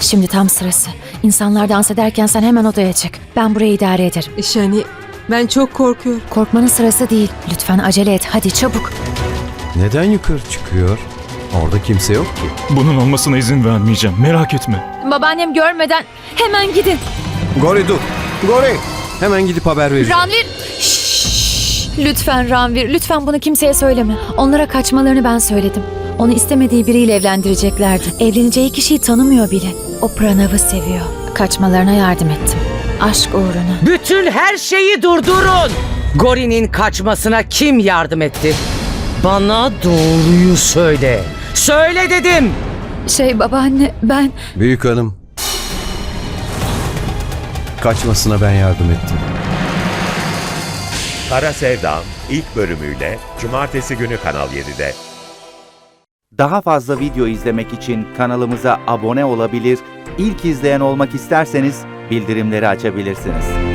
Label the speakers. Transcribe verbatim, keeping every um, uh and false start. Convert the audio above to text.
Speaker 1: Şimdi tam sırası. İnsanlar dans ederken sen hemen odaya çık. Ben burayı idare ederim.
Speaker 2: Şani, ben çok korkuyorum.
Speaker 1: Korkmanın sırası değil. Lütfen acele et. Hadi çabuk.
Speaker 3: Neden yukarı çıkıyor? Orada kimse yok ki.
Speaker 4: Bunun olmasına izin vermeyeceğim. Merak etme.
Speaker 1: Babaannem görmeden hemen gidin.
Speaker 3: Gori dur. Gori. Hemen gidip haber vereceğim.
Speaker 1: Ranvir. Şşş. Lütfen Ranvir. Lütfen bunu kimseye söyleme. Onlara kaçmalarını ben söyledim. Onu istemediği biriyle evlendireceklerdi. Evleneceği kişiyi tanımıyor bile. O Pranav'ı seviyor. Kaçmalarına yardım ettim. Aşk uğruna.
Speaker 5: Bütün her şeyi durdurun. Gori'nin kaçmasına kim yardım etti? Bana doğruyu söyle. Söyle dedim.
Speaker 1: Şey babaanne ben...
Speaker 3: Büyük hanım. Kaçmasına ben yardım ettim.
Speaker 6: Kara Sevdam ilk bölümüyle Cumartesi günü Kanal yedide.
Speaker 7: Daha fazla video izlemek için kanalımıza abone olabilir, ilk izleyen olmak isterseniz bildirimleri açabilirsiniz.